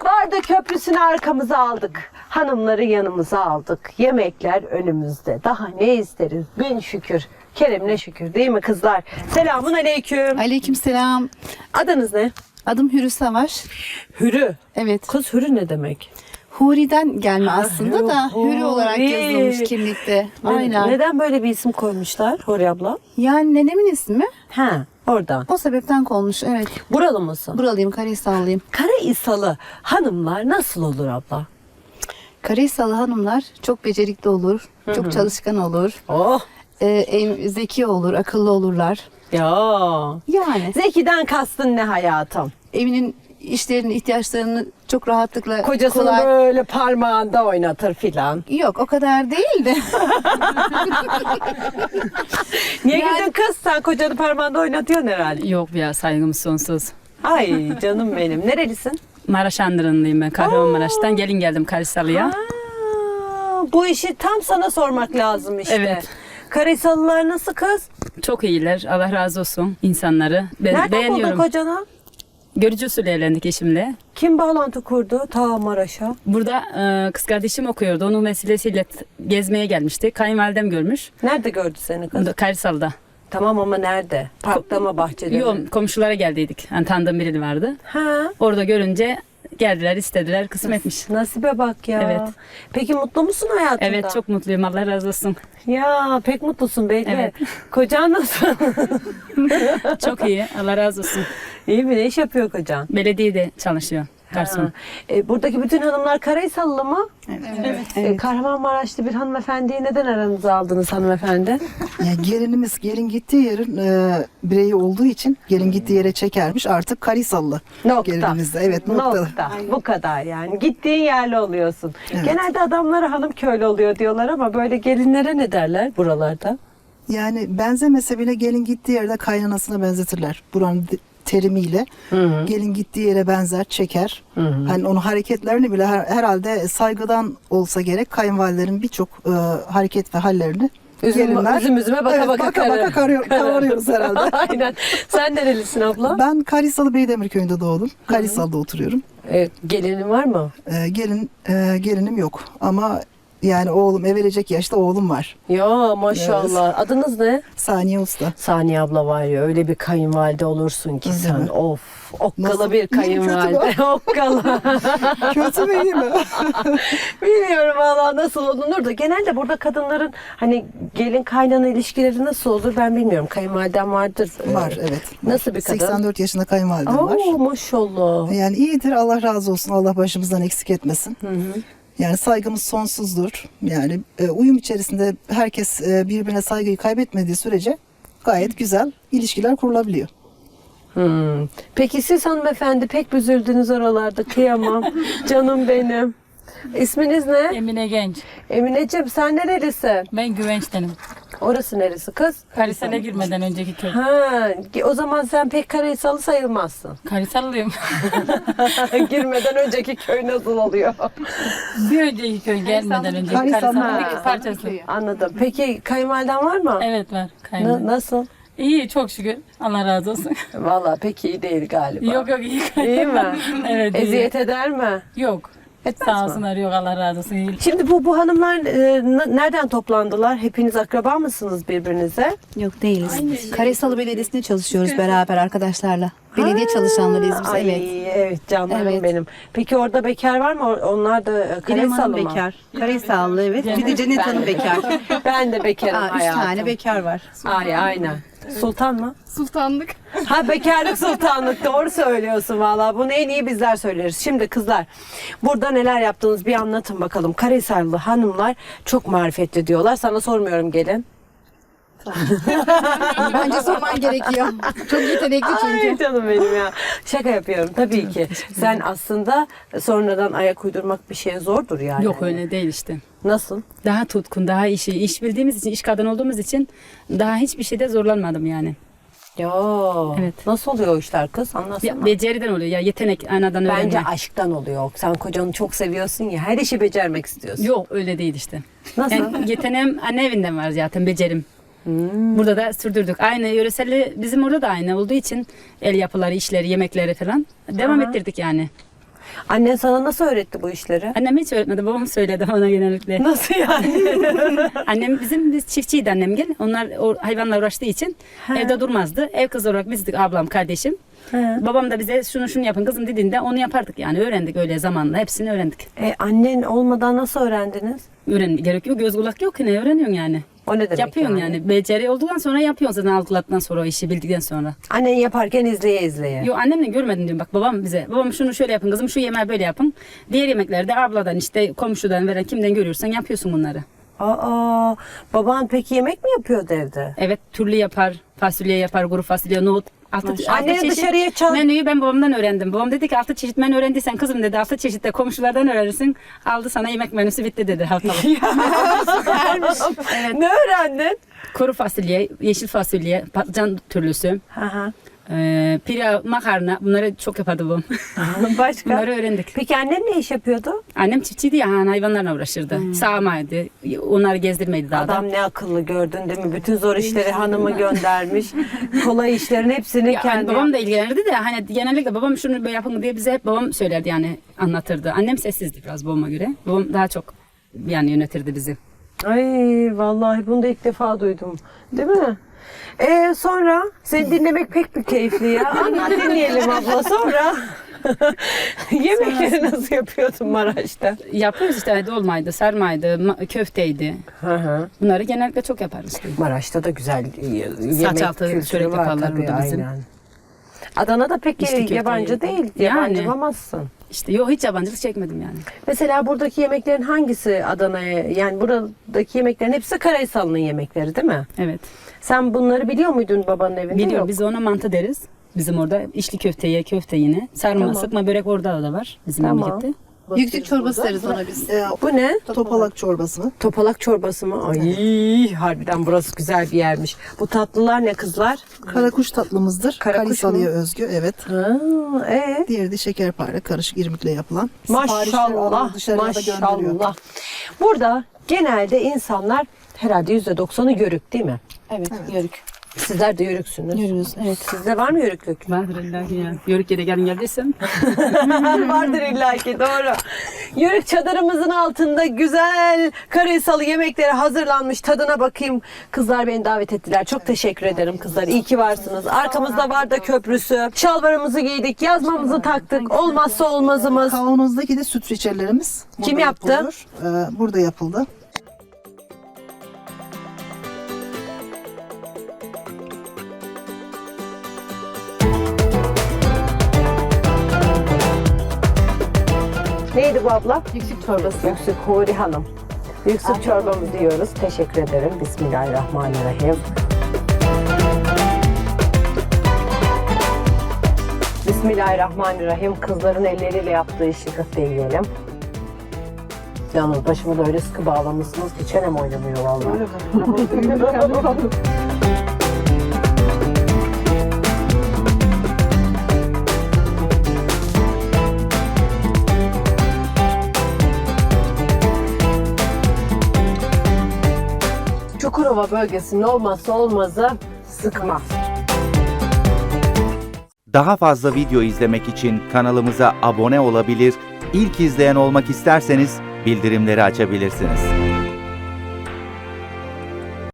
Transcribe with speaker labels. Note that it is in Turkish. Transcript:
Speaker 1: Vardı köprüsünü arkamıza aldık. Hanımları yanımıza aldık. Yemekler önümüzde. Daha ne isteriz? Bin şükür. Kerem'le şükür değil mi kızlar? Selamun aleyküm.
Speaker 2: Aleykümselam.
Speaker 1: Adınız ne?
Speaker 2: Adım Hürü Savaş.
Speaker 1: Hürü.
Speaker 2: Evet.
Speaker 1: Kız Hürü ne demek?
Speaker 2: Huri'den gelme aslında da Hürü olarak
Speaker 1: Huri.
Speaker 2: yazılmış kimlikte. Aynen.
Speaker 1: Neden böyle bir isim koymuşlar Huri abla?
Speaker 2: Yani nenemin ismi
Speaker 1: Ha, oradan.
Speaker 2: o sebepten konmuş. Evet.
Speaker 1: Buralı mısın?
Speaker 2: Buralıyım, Karahisarlıyım.
Speaker 1: Karahisalı hanımlar nasıl olur abla?
Speaker 2: Karahisalı hanımlar çok becerikli olur, çok çalışkan olur,
Speaker 1: Oh
Speaker 2: zeki olur, akıllı olurlar.
Speaker 1: ya.
Speaker 2: Yani
Speaker 1: Zeki'den kastın ne hayatım?
Speaker 2: evinin işlerini, ihtiyaçlarını çok rahatlıkla
Speaker 1: Kocasını
Speaker 2: kolay...
Speaker 1: böyle parmağında oynatır filan.
Speaker 2: Yok o kadar değil de.
Speaker 1: Niye güldün kız? Sen kocanı parmağında oynatıyorsun herhalde.
Speaker 3: Yok ya, saygımız sonsuz.
Speaker 1: Ay canım benim. Nerelisin?
Speaker 3: Maraş Andırınlıyım ben. Kahramanmaraş'tan gelin geldim Karahisalı'ya.
Speaker 1: Bu işi tam sana sormak lazım işte.
Speaker 3: Evet.
Speaker 1: Karahisalılar nasıl kız?
Speaker 3: Çok iyiler. Allah razı olsun insanları. Ben
Speaker 1: Nereden
Speaker 3: beğeniyorum.
Speaker 1: buldun kocanı?
Speaker 3: Görücü usulü evlendik eşimle.
Speaker 1: Kim bağlantı kurdu ta Maraş'a?
Speaker 3: Burada kız kardeşim okuyordu. Onun vesilesiyle gezmeye gelmişti. Kayınvalidem görmüş.
Speaker 1: Nerede gördü seni kız?
Speaker 3: Burada Karahisalı'da.
Speaker 1: Tamam ama nerede? Parkta mı, bahçede mi?
Speaker 3: Yok, komşulara geldiydik. Yani tanıdığım biri vardı.
Speaker 1: Ha.
Speaker 3: Orada görünce geldiler, istediler, kısmetmiş.
Speaker 1: Nasibe bak ya.
Speaker 3: Evet.
Speaker 1: Peki mutlu musun hayatında?
Speaker 3: Evet, çok mutluyum. Allah razı olsun.
Speaker 1: Ya pek mutlusun belli.
Speaker 3: Evet.
Speaker 1: Kocan nasıl?
Speaker 3: Çok iyi. Allah razı olsun.
Speaker 1: İyi mi? Ne iş yapıyor kocan?
Speaker 3: Belediyede çalışıyor. Garson.
Speaker 1: Ha. Buradaki bütün hanımlar Karahisalılı mı?
Speaker 2: Evet.
Speaker 1: Kahramanmaraşlı bir hanımefendiyi neden aranıza aldınız hanımefendi?
Speaker 4: Yani gelinimiz gelin gittiği yerin bireyi olduğu için gelin gittiği yere çekermiş. Artık Karahisalı
Speaker 1: Nokta.
Speaker 4: gelinimiz de. Evet nokta.
Speaker 1: Bu kadar yani. Gittiğin yerli oluyorsun.
Speaker 4: Evet.
Speaker 1: Genelde adamlara hanım köylü oluyor diyorlar ama böyle gelinlere ne derler buralarda?
Speaker 4: Yani benzemese bile gelin gittiği yerde kaynanasına benzetirler. Buranın terimiyle. Gelin gittiği yere benzer, çeker. Hani onun hareketlerini bile herhalde saygıdan olsa gerek kayınvalidelerin birçok hareket ve hallerini
Speaker 1: Üzüm üzüme baka
Speaker 4: evet,
Speaker 1: baka
Speaker 4: kavarıyoruz herhalde.
Speaker 1: Aynen. Sen nerelisin abla?
Speaker 4: Ben Karahisalı Beydemir köyünde doğdum. Karahisalı'da oturuyorum.
Speaker 1: Gelinin var mı?
Speaker 4: Gelinim yok ama yani oğlum evlenecek yaşta oğlum var.
Speaker 1: Ya maşallah. Adınız ne?
Speaker 4: Saniye Usta.
Speaker 1: Saniye abla var ya öyle bir kayınvalide olursun ki sen.
Speaker 4: mi?
Speaker 1: Of. Okkala
Speaker 4: Nasıl?
Speaker 1: bir
Speaker 4: İyi mi, kötü mü?
Speaker 1: kayınvalide. Okkala.
Speaker 4: Kötü mü iyi mi?
Speaker 1: Bilmiyorum valla nasıl olunur da genelde burada kadınların hani gelin kaynana ilişkileri nasıl olur ben bilmiyorum. Kayınvaliden vardır.
Speaker 4: Var evet.
Speaker 1: Nasıl bir kadın?
Speaker 4: 84 yaşında kayınvalidem var.
Speaker 1: Oo maşallah.
Speaker 4: Yani iyidir, Allah razı olsun. Allah başımızdan eksik etmesin. Yani saygımız sonsuzdur. Yani uyum içerisinde herkes birbirine saygıyı kaybetmediği sürece gayet güzel ilişkiler kurulabiliyor.
Speaker 1: Peki siz hanımefendi pek üzüldünüz oralarda kıyamam. Canım benim. İsminiz ne?
Speaker 5: Emine Genç.
Speaker 1: Emineciğim sen nerelisin?
Speaker 5: Ben Güvenç'tenim.
Speaker 1: Orası neresi kız?
Speaker 5: Karahisar'a girmeden önceki köy.
Speaker 1: Ha, o zaman sen pek Karahisalı sayılmazsın.
Speaker 5: Karahisarlıyım.
Speaker 1: Girmeden önceki köy nasıl oluyor?
Speaker 5: Bir önceki köy gelmeden önceki Karahisar'ın
Speaker 1: Ha.
Speaker 5: bir parçası.
Speaker 1: Anladım. Peki kayınvaliden var mı?
Speaker 5: Evet var. Kayınvalide.
Speaker 1: Nasıl?
Speaker 5: İyi çok şükür. Allah razı olsun.
Speaker 1: Vallahi pek iyi değil galiba.
Speaker 5: Yok iyi.
Speaker 1: İyi mi?
Speaker 5: Evet iyi.
Speaker 1: Eziyet eder mi?
Speaker 5: Yok.
Speaker 1: Etmez
Speaker 5: Sağ
Speaker 1: mi?
Speaker 5: olsunlar yok Allah razı olsun. İyi.
Speaker 1: Şimdi bu hanımlar nereden toplandılar? Hepiniz akraba mısınız birbirinize?
Speaker 2: Yok değiliz. Karahisalı Belediyesi'nde çalışıyoruz beraber arkadaşlarla. Belediye çalışanlarıyız biz.
Speaker 1: Ay,
Speaker 2: Evet.
Speaker 1: evet canlarım
Speaker 2: Evet.
Speaker 1: benim. Peki orada bekar var mı? Onlar da
Speaker 2: İrem
Speaker 1: Karahisalı
Speaker 2: Hanım
Speaker 1: mı?
Speaker 2: bekar. Karahisalı evet. Bir de Cennet Hanım bekar.
Speaker 1: Ben de bekarım
Speaker 2: Aa, 3
Speaker 1: hayatım.
Speaker 2: tane bekar var.
Speaker 1: Ay aynen. Sultan mı?
Speaker 5: Sultanlık.
Speaker 1: Ha bekarlık sultanlık doğru söylüyorsun valla. Bunu en iyi bizler söyleriz. Şimdi kızlar burada neler yaptınız bir anlatın bakalım. Karahisarlı hanımlar çok marifetli diyorlar. Sana sormuyorum gelin.
Speaker 2: Bence sorman gerekiyor. Çok yetenekli çünkü.
Speaker 1: Ay canım benim ya. Şaka yapıyorum tabii ki. Sen aslında sonradan ayak uydurmak bir şeye zordur yani.
Speaker 3: Yok öyle değil işte.
Speaker 1: Nasıl?
Speaker 3: Daha tutkun, daha iş bildiğimiz için, iş kadın olduğumuz için daha hiçbir şeyde zorlanmadım yani.
Speaker 1: Ya
Speaker 3: Evet.
Speaker 1: nasıl oluyor o işler kız? Anlatsana.
Speaker 3: Ya, beceriden oluyor ya, yetenek anadan öğrenme.
Speaker 1: Bence aşktan oluyor. Sen kocanı çok seviyorsun ya her işi becermek istiyorsun.
Speaker 3: Yok öyle değil işte.
Speaker 1: Nasıl?
Speaker 3: Yani yeteneğim anne evinden var zaten, becerim. Burada da sürdürdük. Aynı yöreselli bizim orada da aynı olduğu için el yapıları, işleri, yemekleri falan devam ettirdik yani.
Speaker 1: Annen sana nasıl öğretti bu işleri?
Speaker 3: Annem hiç öğretmedi. Babam söyledi bana genellikle.
Speaker 1: Nasıl yani?
Speaker 3: Annem biz çiftçiydi annem gel. Onlar o hayvanla uğraştığı için evde durmazdı. Ev kızı olarak bizdik ablam, kardeşim. Babam da bize şunu yapın kızım dediğinde onu yapardık yani. Öğrendik öyle zamanla. Hepsini öğrendik.
Speaker 1: Annen olmadan nasıl öğrendiniz?
Speaker 3: Gerek yok. Göz kulak yok. Ne öğreniyorsun yani?
Speaker 1: O ne demek
Speaker 3: Yapıyorsun yani. Beceri olduktan sonra yapıyorsun zaten algılattıktan sonra o işi bildikten sonra.
Speaker 1: Annen yaparken izleye izleye.
Speaker 3: Yo annemle görmedim diyorum bak babam bize. Babam şunu şöyle yapın kızım şu yemeği böyle yapın. Diğer yemeklerde abladan işte komşudan veren kimden görüyorsan yapıyorsun bunları.
Speaker 1: Aa, baban peki yemek mi yapıyordu evde?
Speaker 3: Evet türlü yapar. Fasulye yapar, kuru fasulye, nohut. Altı
Speaker 1: Anneni
Speaker 3: çeşit
Speaker 1: dışarıya çal.
Speaker 3: menüyü ben babamdan öğrendim. Babam dedi ki 6 çeşit menü öğrendiysen kızım dedi 6 çeşit de komşulardan öğrenirsin. Aldı sana yemek menüsü bitti dedi haftalık.
Speaker 1: Ne öğrendin?
Speaker 3: Kuru fasulye, yeşil fasulye, patlıcan türlüsü,
Speaker 1: Aha.
Speaker 3: pilav, makarna bunları çok yapardı babam.
Speaker 1: Başka?
Speaker 3: Bunları öğrendik.
Speaker 1: Peki annen ne iş yapıyordu?
Speaker 3: Annem çiftçiydi ya hayvanlarla uğraşırdı. Sağmaydı. Onları gezdirmeydi daha da.
Speaker 1: Adam ne akıllı gördün değil mi? Bütün zor işleri hanımı göndermiş. Kolay işlerin hepsini
Speaker 3: Ya,
Speaker 1: kendi.
Speaker 3: babam da ilgilenirdi de hani genellikle babam şunu böyle yapın diye bize hep babam söylerdi yani anlatırdı. Annem sessizdi biraz babama göre. Babam daha çok yani yönetirdi bizi.
Speaker 1: Ay vallahi bunu da ilk defa duydum. Değil mi? Sonra seni dinlemek pek bir keyifli ya. Anlat dinleyelim abla sonra. Yemekleri nasıl yapıyordun Maraş'ta?
Speaker 3: Yapıyoruz işte dolmaydı, sarmaydı, köfteydi.
Speaker 1: Hı hı.
Speaker 3: Bunları genellikle çok yaparız.
Speaker 1: Maraş'ta da güzel yemek
Speaker 3: altı
Speaker 1: kültürü
Speaker 3: çörek
Speaker 1: var
Speaker 3: yaparlar
Speaker 1: tabii,
Speaker 3: burada bizim.
Speaker 1: aynen. Adana'da pek
Speaker 3: İçli köfte
Speaker 1: yabancı değil.
Speaker 3: Yani.
Speaker 1: Yabancı olamazsın.
Speaker 3: İşte yok hiç yabancılık çekmedim yani.
Speaker 1: Mesela buradaki yemeklerin hangisi Adana'ya? Yani buradaki yemeklerin hepsi Karahisarlı'nın yemekleri değil mi?
Speaker 3: Evet.
Speaker 1: Sen bunları biliyor muydun babanın evinde?
Speaker 3: Biliyorum
Speaker 1: Yok.
Speaker 3: biz ona mantı deriz. Bizim orada içli köfteye köfte yine. Sarma,
Speaker 1: Tamam.
Speaker 3: sıkma börek orada da var bizim
Speaker 1: Tamam.
Speaker 3: memlekette.
Speaker 2: Yüksük çorbası deriz ona biz.
Speaker 1: Bu ne?
Speaker 4: Topalak çorbası.
Speaker 1: Topalak çorbası mı? Ay harbiden burası güzel bir yermiş. Bu tatlılar ne kızlar?
Speaker 4: Karakuş tatlımızdır.
Speaker 1: Karakuş
Speaker 4: Kalisalı'ya
Speaker 1: mu?
Speaker 4: özgü, evet.
Speaker 1: Ha,
Speaker 4: Diğeri de şekerpare, karışık irmikle yapılan. Siparişleri
Speaker 1: maşallah,
Speaker 4: alıp dışarıya da gönderiyor.
Speaker 1: maşallah. Burada genelde insanlar herhalde %90'ı yörük değil mi?
Speaker 2: Evet, yörük.
Speaker 1: Sizler de yörüksünüz.
Speaker 2: Yörüyoruz, evet.
Speaker 1: Sizde var mı yörüklük?
Speaker 3: Vardır illa ki ya. Yörük yere gelin geldiysen.
Speaker 1: Vardır illaki doğru. Yörük çadırımızın altında güzel Karahisalı yemekleri hazırlanmış. Tadına bakayım. Kızlar beni davet ettiler. Çok teşekkür ederim kızlar. İyi ki varsınız. Arkamızda var da köprüsü. Şalvarımızı giydik. Yazmamızı taktık. Olmazsa olmazımız.
Speaker 4: Kavanozdaki de süt reçellerimiz.
Speaker 1: Kim
Speaker 4: burada
Speaker 1: yaptı?
Speaker 4: yapılıyor. Burada yapıldı.
Speaker 1: Neydi bu abla?
Speaker 2: Yüksük çorbası.
Speaker 1: Yüksük Huri Hanım. Yüksük çorbamızı diyoruz. Teşekkür ederim. Bismillahirrahmanirrahim. Bismillahirrahmanirrahim. Kızların elleriyle yaptığı işi köfteyi yiyelim. Yalnız başımı da öyle sıkı bağlamışsınız ki çenem oynamıyor vallahi. Çukurova bölgesinin olmazsa olmazı sıkma.
Speaker 6: Daha fazla video izlemek için kanalımıza abone olabilir, ilk izleyen olmak isterseniz bildirimleri açabilirsiniz.